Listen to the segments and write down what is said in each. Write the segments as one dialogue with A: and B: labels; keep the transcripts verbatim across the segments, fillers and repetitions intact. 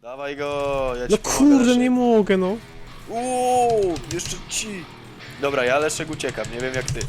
A: Dawaj go, ja ci
B: No
A: pomogę,
B: kurde,
A: Leszek.
B: nie mogę, no.
A: Uuu, jeszcze ci. Dobra, ja Leszek uciekam, nie wiem jak ty.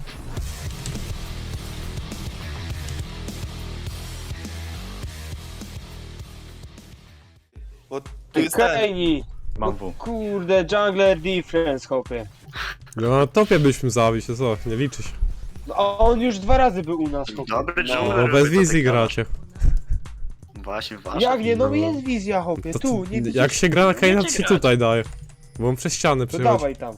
A: Bo tu jest ten.
C: Kejni!
D: Mam W.
C: Kurde, jungler difference, chłopie.
B: No na topie byśmy zabić, to co? Nie liczy się.
C: No, a on już dwa razy był u nas, chłopie.
D: Dobry
C: No.
D: jungler.
B: No bez
D: wy to
B: wizji
D: tak
B: gracie.
D: Właśnie, właśnie.
C: Jak nie? No
B: No.
C: jest wizja, chłopie,
B: To,
C: tu, nie widzisz?
B: jak się gra na Kaina, to
D: Wiecie
B: się
D: grać.
B: tutaj daje. Bo on przez ściany
C: To
B: przychodzi.
C: dawaj tam.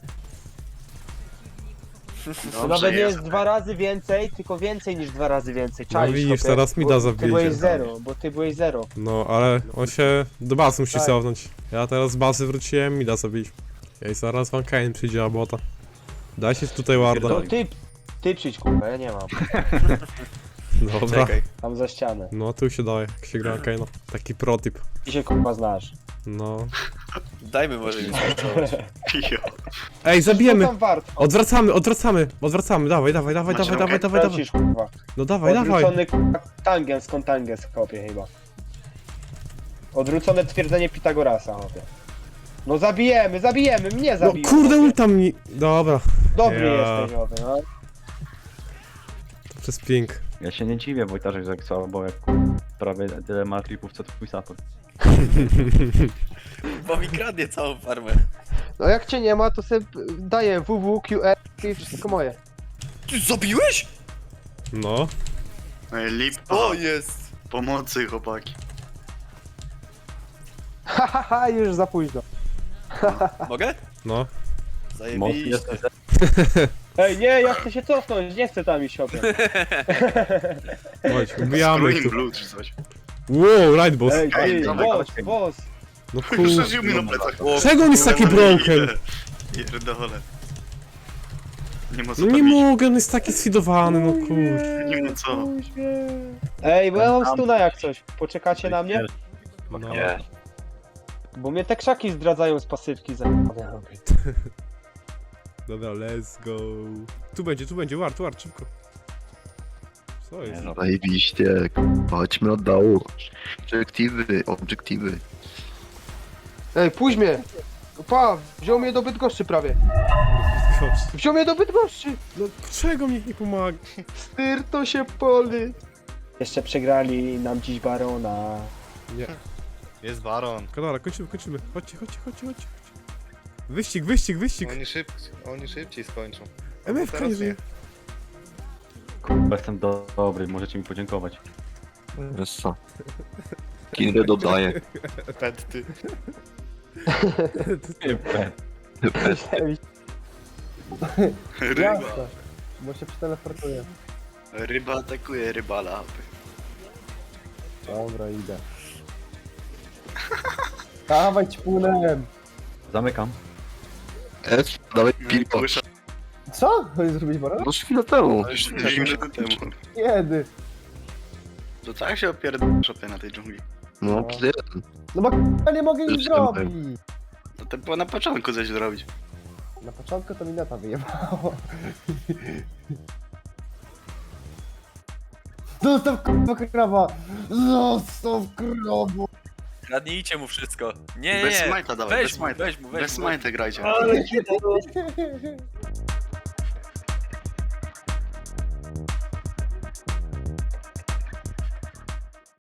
C: To
D: Dobrze
C: nawet nie jest
D: jest.
C: dwa razy więcej, tylko więcej niż dwa razy więcej.
B: No
C: Czaisz,
B: widzisz,
C: chłopie?
B: teraz mi
C: Bo
B: da
C: Ty
B: zabijcie.
C: byłeś zero, bo ty byłeś zero.
B: No, ale on się do bazy musi
C: Tak.
B: cofnąć. Ja teraz z bazy wróciłem, mi da zabić. Ja i zaraz wam Kain przyjdzie, a bota. Dajcie tutaj warda.
C: No ty, ty przyjdź, kurwa, ja nie mam.
B: Dobra.
A: Czekaj.
C: Tam za ścianę.
B: No tu się daje, jak się gra na Kaina. Taki protip.
C: Ty się, kurwa, znasz.
B: No.
A: Dajmy może mi skończyć.
D: Jo.
B: Ej,
C: Co
B: zabijemy!
C: tam wart?
B: Odwracamy, odwracamy, odwracamy, dawaj, dawaj, dawaj,
D: Macie
B: dawaj, dawaj,
D: rąkę?
B: dawaj, dawaj.
C: Tracisz, kurwa.
B: No dawaj, dawaj.
C: Odwrócony kurwa, tangens, kontangens, chłopie, chyba. Odwrócone twierdzenie Pitagorasa, chłopie. No zabijemy, zabijemy, mnie
B: No
C: zabijemy.
B: kurde,
C: chłopie.
B: ulta mi... Dobra,
C: Dobry
B: Ja.
C: jesteś, chłopie, no.
B: to przez ping.
E: Ja się nie dziwię, Wojtarzek, że jak słabo, jak prawie tyle ma tripów, co twój support.
A: Bo mi kradnie całą farmę.
F: No jak cię nie ma, to sobie daję W W, Q R i wszystko moje.
A: Ty zabiłeś?
B: No.
D: Ej, lip.
A: O, jest.
D: Pomocy, chłopaki.
F: Hahaha, już za późno.
A: Mogę?
B: No.
E: Mocny
A: Zajebiście.
E: jesteś.
C: Ej, nie, ja chcę się cofnąć, nie chcę tam iść, chłopie.
B: Chodź, ubijamy ich
D: Screen
B: tu.
D: blue czy coś.
B: Wow, right boss.
C: Ej,
D: Ej,
C: ty,
D: dawaj,
C: boss,
E: dawaj.
C: boss.
B: No kurde.
D: Przeżył mi na plecach.
A: O,
B: Czego on jest taki broken?
D: Pierdolę. Nie ma co
B: No nie
D: robić.
B: mogę, on jest taki sfidowany, no kurde.
D: Nie ma co.
C: Ej, bo ja mam stuna jak coś. Poczekacie na mnie?
B: No.
D: Nie.
C: Bo mnie te krzaki zdradzają z pasywki za...
B: Dobra, let's go. Tu będzie, tu będzie, wart, wart, szybko. Co jest?
E: no.
G: Zajebiście, chodźmy od dołu. Obiektywy, obiektywy.
F: Ej, pójdź mnie. Pa, wziął mnie do Bydgoszczy prawie.
B: Gość.
F: Wziął mnie do Bydgoszczy.
B: No czego mi nie pomaga?
F: Styr to się poli.
C: Jeszcze przegrali nam dziś Barona.
B: Nie.
H: Jest baron.
B: Dobra, kończymy, kończymy. Chodźcie, chodźcie, chodźcie, chodźcie. Wyścig, wyścig, wyścig.
H: Oni, szyb... Oni szybciej skończą.
B: M F K nie żyje.
E: Kurwa, jestem do dobry, możecie mi podziękować.
G: Wiesz co? Kindę dodaję.
H: Petty.
D: Ryba.
F: Bo się przeteleportuję.
D: Ryba atakuje rybala.
F: Dobra, idę. Dawaj ćpunem.
E: Zamykam.
G: F, dawaj piłko.
D: Kusza.
F: Co? Chcesz zrobić barona?
G: No chwilę temu.
D: Już minutę temu.
F: Kiedy?
D: To tak się opierdol szopie na tej dżungli.
G: No, kiedy?
F: No bo k***a nie mogę nic
G: Już
F: zrobić.
D: To to było na początku coś zrobić.
F: Na początku to mi neta wyjebało. Zostaw k***a krawa! Zostaw krawa!
A: Kradnijcie mu wszystko. Nie,
D: Bez
A: nie.
D: smajta dawaj,
A: Weź
D: bez
A: mu,
D: smajta.
A: weź mu, weź
D: Bez
A: mu.
D: smajta grajcie.
C: Ale kiedy?